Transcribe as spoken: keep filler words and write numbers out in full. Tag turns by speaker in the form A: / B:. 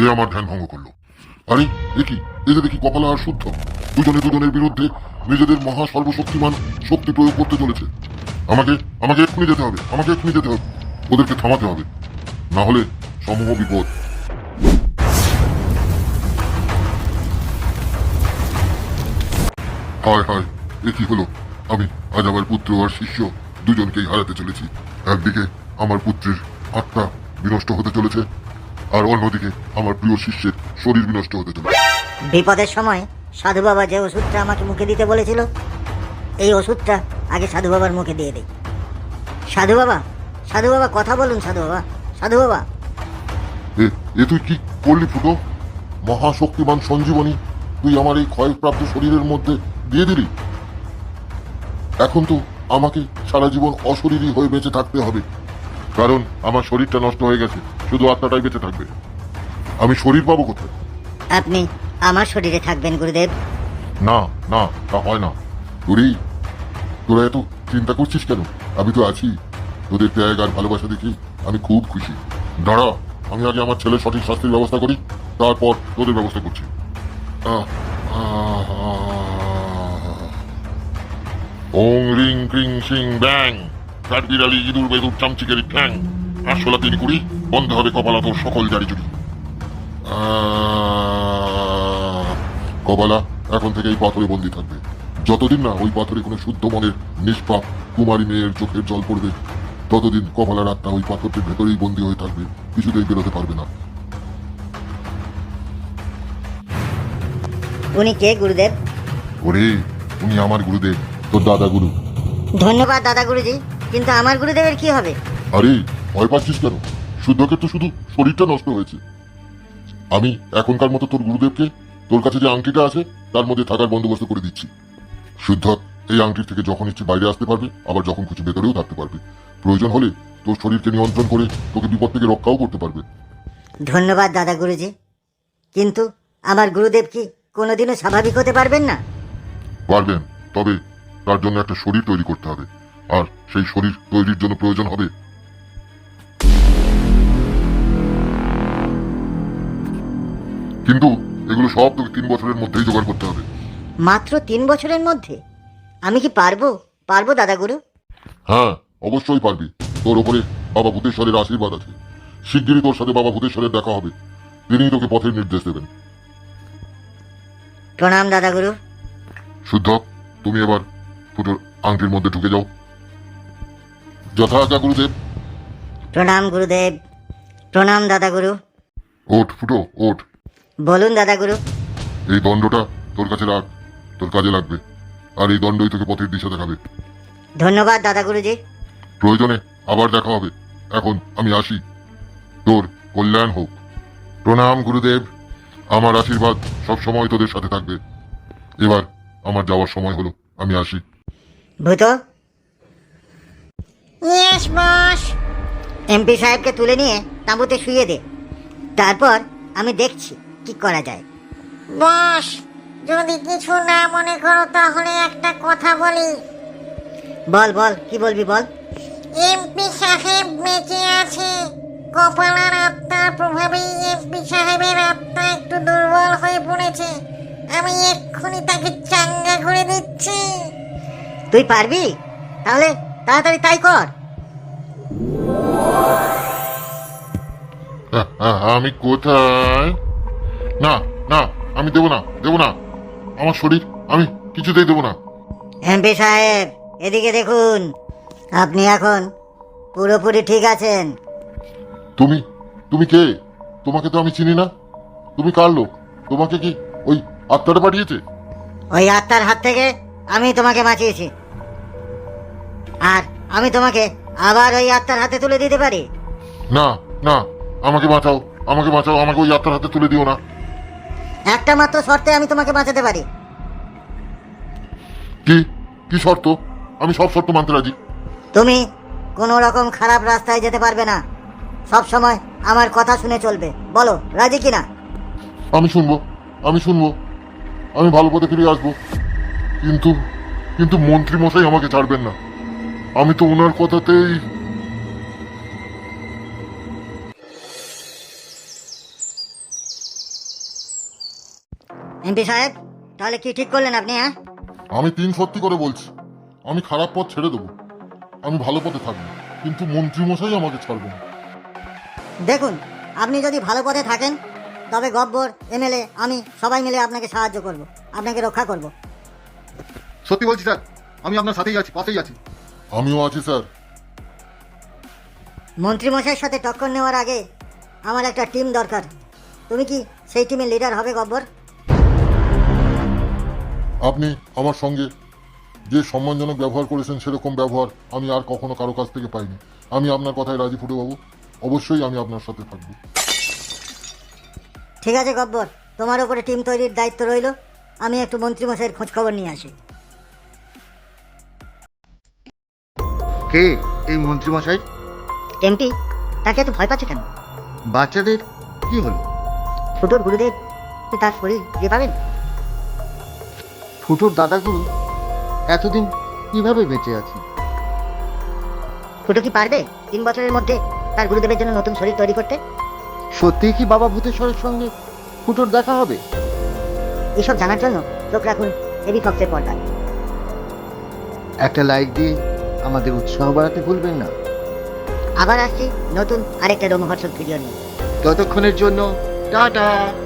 A: আমার ধ্যান ভঙ্গ করলো। আরে দেখি, এই যে দেখি কপালা আর শুদ্ধ দুজনে দুজনের বিরুদ্ধে নিজেদের মহা সর্বশক্তিমান শক্তি প্রয়োগ করতে চলেছে। আমাকে আমাকে এক্ষুনি যেতে হবে, আমাকে এক্ষুনি যেতে হবে, ওদেরকে থামাতে হবে, না হলে সমূহ বিপদ। হায় হায়, এ কি হলো? আমি আজ আমার পুত্র আর শিষ্য দুজনকেই হারাতে চলেছি। একদিকে আমার পুত্রের আত্মা বিনষ্ট হতে চলেছে, আর অন্যদিকে আমার প্রিয় শিষ্যের শরীর বিনষ্ট হতে চলেছে।
B: বিপদের সময় সাধু বাবা যে ওষুধটা আমাকে মুখে দিতে বলেছিল, এই ওষুধটা আগে সাধু বাবার মুখে দিয়ে দিই। সাধু বাবা, সাধু বাবা কথা বলুন। সাধু বাবা, সাধু বাবা।
A: এ এ তুই কি করলি ফুটো? মহাশক্তিমান সঞ্জীবনী তুই আমার এই ক্ষয়প্রাপ্ত শরীরের মধ্যে দিয়ে দিলি। এখন তো আমাকে সারা জীবন অশরীরী হয়ে বেঁচে থাকতে হবে, কারণ আমার শরীরটা নষ্ট হয়ে গেছে, শুধু আত্মাটাই বেঁচে থাকবে। আমি শরীর পাবো কোথায়?
B: আপনি আমার শরীরে থাকবেন গুরুদেব।
A: না না, তা হয় না। তোরই তোরা এত চিন্তা করছিস কেন? আমি তো আছি। তোদের ত্যাগ আর ভালোবাসা দেখি আমি খুব খুশি। দাঁড়া, আমি আগে আমার ছেলের সঠিক শাস্তির ব্যবস্থা করি, তারপর তোদের ব্যবস্থা করছি। ওং রিং ক্রিং সিং ব্যাং, কাঠবিড়ালি ইঁদুর বেদুর চামচিকের ঠ্যাং, আটশোলা তিন কুড়ি, বন্ধ হবে কপালা তোর সকল জারি জুড়ি। কপালা এখন থেকে এই পাথরে বন্দী থাকবে। যতদিন না ওই পাথরে কোনো শুদ্ধ মনের নিষ্পাপ কুমারী মেয়ের চোখের জল পড়বে, ততদিন কপালার আত্মা ওই পাথরটির ভেতরেই বন্দী হয়ে থাকবে, কিছুতেই বেরোতে পারবে না।
B: উনি কে গুরুদেব?
A: ওরে, উনি আমার গুরুদেব, তোর দাদা গুরু।
B: ধন্যবাদ দাদা গুরুজি, কিন্তু আমার গুরুদেবের কি হবে?
A: আরে ভয় পাচ্ছিস কেন? শুদ্ধকে তো শুধু শরীরটা নষ্ট হয়েছে। আমি এখনকার মতো তোর গুরুদেবকে তোর কাছে যে আংটিটা আছে তার মধ্যে থাকার বন্দোবস্ত করে দিচ্ছি। শুদ্ধ এই আংটির থেকে যখন ইচ্ছে বাইরে আসতে পারবে, আবার যখন খুশি ভেতরেও থাকতে পারবে। প্রয়োজন হলে তোর শরীরকে নিয়ন্ত্রণ করে তোকে বিপদ থেকে রক্ষাও করতে পারবে।
B: ধন্যবাদ দাদা গুরুজি, কিন্তু আমার গুরুদেব কি কোনোদিনও স্বাভাবিক হতে পারবেন না?
A: পারবেন, তবে তার জন্য একটা শরীর তৈরি করতে হবে, আর সেই শরীর তৈরির জন্য প্রয়োজন হবে কিন্তু এগুলো সব তোকে তিন বছরের মধ্যেই জোগাড় করতে হবে।
B: মাত্র তিন বছরের মধ্যে? আমি কি পারবো? পারবো দাদা গুরু?
A: হ্যাঁ, অবশ্যই পারবি। তোর ওপরে বাবা ভূতেশ্বরের আশীর্বাদ আছে। শিগগিরই তোর সাথে বাবা ভূতেশ্বরের দেখা হবে, তিনিই তোকে পথের নির্দেশ দেবেন।
B: প্রণাম দাদা গুরু।
A: শুদ্ধ, তুমি এবার ফুটোর আংটির মধ্যে ঢুকে যাও। যথা আজ্ঞা গুরুদেব।
B: প্রণাম গুরুদেব। প্রণাম দাদা গুরু।
A: ওঠ ফুটো, ওঠ।
B: বলুন দাদা গুরু।
A: এই দণ্ডটা তোর কাছে রাখ, তোর কাজে লাগবে, আর এই দণ্ডই তোকে পথের দিশা দেখাবে।
B: ধন্যবাদ দাদা গুরুজি।
A: প্রয়োজনে আবার দেখা হবে। এখন আমি আসি, তোর কল্যাণ হোক। প্রণাম গুরুদেব, আমার আশীর্বাদ সব সময় তোদের সাথে থাকবে। এবার আমার যাওয়ার সময় হলো, আমি আসি।
B: ভূত,
C: ইয়েস বস।
B: এমপি সাহেবকে তুলে নিয়ে তাঁবুতে শুইয়ে দে, তারপর আমি দেখছি কি করা যায়।
C: বস, যদি কিছু না মনে করো তাহলে একটা কথা বলি।
B: বল বল, কি বলবি বল।
C: এমপি সাহেব বেঁচে আছে। কপালার আত্মার প্রভাবেই এমপি সাহেবের আত্মা একটু দুর্বল হয়ে পড়েছে। আমি এক্ষুনি তাকে চাঙ্গা করে দিচ্ছি।
B: তুই পারবি? তাহলে তাড়াতাড়ি তাই কর।
A: আহ, আহ, আমি কোথায়? না না, আমি দেব না, দেব না, আমার শরীর আমি কিছুতেই দেব না।
B: এমপি সাহেব, এদিকে দেখুন, আপনি এখন পুরোপুরি ঠিক আছেন।
A: তুমি তুমি কে? তোমাকে তো আমি চিনি না। তুমি কার লোক? তোমাকে কি ওই আত্মাটা পাঠিয়েছে?
B: ওই আত্মার হাত থেকে আমি তোমাকে বাঁচিয়েছি, আর আমি তোমাকে আবার ওই আত্মার হাতে তুলে দিতে পারি।
A: না না, আমাকে বাঁচাও, আমাকে বাঁচাও, আমাকে ওই আত্মার হাতে তুলে দিও না।
B: একটা মাত্র শর্তে আমি তোমাকে বাঁচাতে পারি।
A: কি কি শর্ত? আমি সব শর্ত মানতে রাজি।
B: তুমি কোনো রকম খারাপ রাস্তায় যেতে পারবে না, সব সময় আমার কথা শুনে চলবে। বলো রাজি কিনা?
A: আমি শুনবো, আমি শুনবো, আমি ভালো পথে ফিরে আসবো, কিন্তু কিন্তু মন্ত্রী মশাই আমাকে ছাড়বেন না। আমি তো ওনার কথাতেই
B: এমপি সাহেব, তাহলে কি ঠিক করলেন আপনি? হ্যাঁ,
A: আমি তিন সত্যি করে বলছি, আমি খারাপ পথ ছেড়ে দেবো, আমি ভালো পথে থাকবো, কিন্তু মন্ত্রীমশাই আমাকে ছাড়বে না।
B: দেখুন, আপনি যদি ভালো পথে থাকেন তবে গব্বর, এমএলএ, আমি সবাই মিলে আপনাকে সাহায্য করব, আপনাকে রক্ষা করব।
D: সত্যি বলছি স্যার, আমি আপনার সাথেই আছি, পাশেই আছি।
A: আমিও আছি স্যার।
B: মন্ত্রীমশাইয়ের সাথে টক্কর নেওয়ার আগে আমার একটা টিম দরকার। তুমি কি সেই টিমের লিডার হবে গব্বর?
A: আপনি আমার সঙ্গে যে সম্মানজনক ব্যবহার করেছেন সেরকম ব্যবহার আমি আর কখনো কারো কাছ থেকে পাইনি। আমি আপনার কথায় রাজি ফুটুবাবু, অবশ্যই আমি আপনার সাথে থাকবো।
B: ঠিক আছে গব্বর, তোমার উপরে টিম তৈরির দায়িত্ব রইল। আমি একটু মন্ত্রীমশাইয়ের খোঁজ খবর নিয়ে আসি।
D: কে এই মন্ত্রীমশাই?
B: এমপি, তাকে এত ভয় পাচ্ছে কেন?
D: বাচ্চাদের কি হলো?
B: ফুটোর গুরুদেব তার শরীর যে পাবেন।
D: ফুটোর দাদাগুলো এতদিন কিভাবে বেঁচে আছে?
B: ফুটো কি পারবে তিন বছরের মধ্যে তার গুরুদেবের জন্য নতুন শরীর তৈরি করতে?
D: সত্যিই কি বাবা ভূতেশ্বরের সঙ্গে ফুটোর দেখা হবে?
B: এসব জানার জন্য চোখ রাখুন এবি ফক্সের পর্দায়।
D: একটা লাইক দিয়ে আমাদের উৎসাহ বাড়াতে ভুলবেন না।
B: আবার আসছি নতুন আরেকটা রোমহর্ষক ভিডিও নিয়ে।
D: ততক্ষণের জন্য টাটা।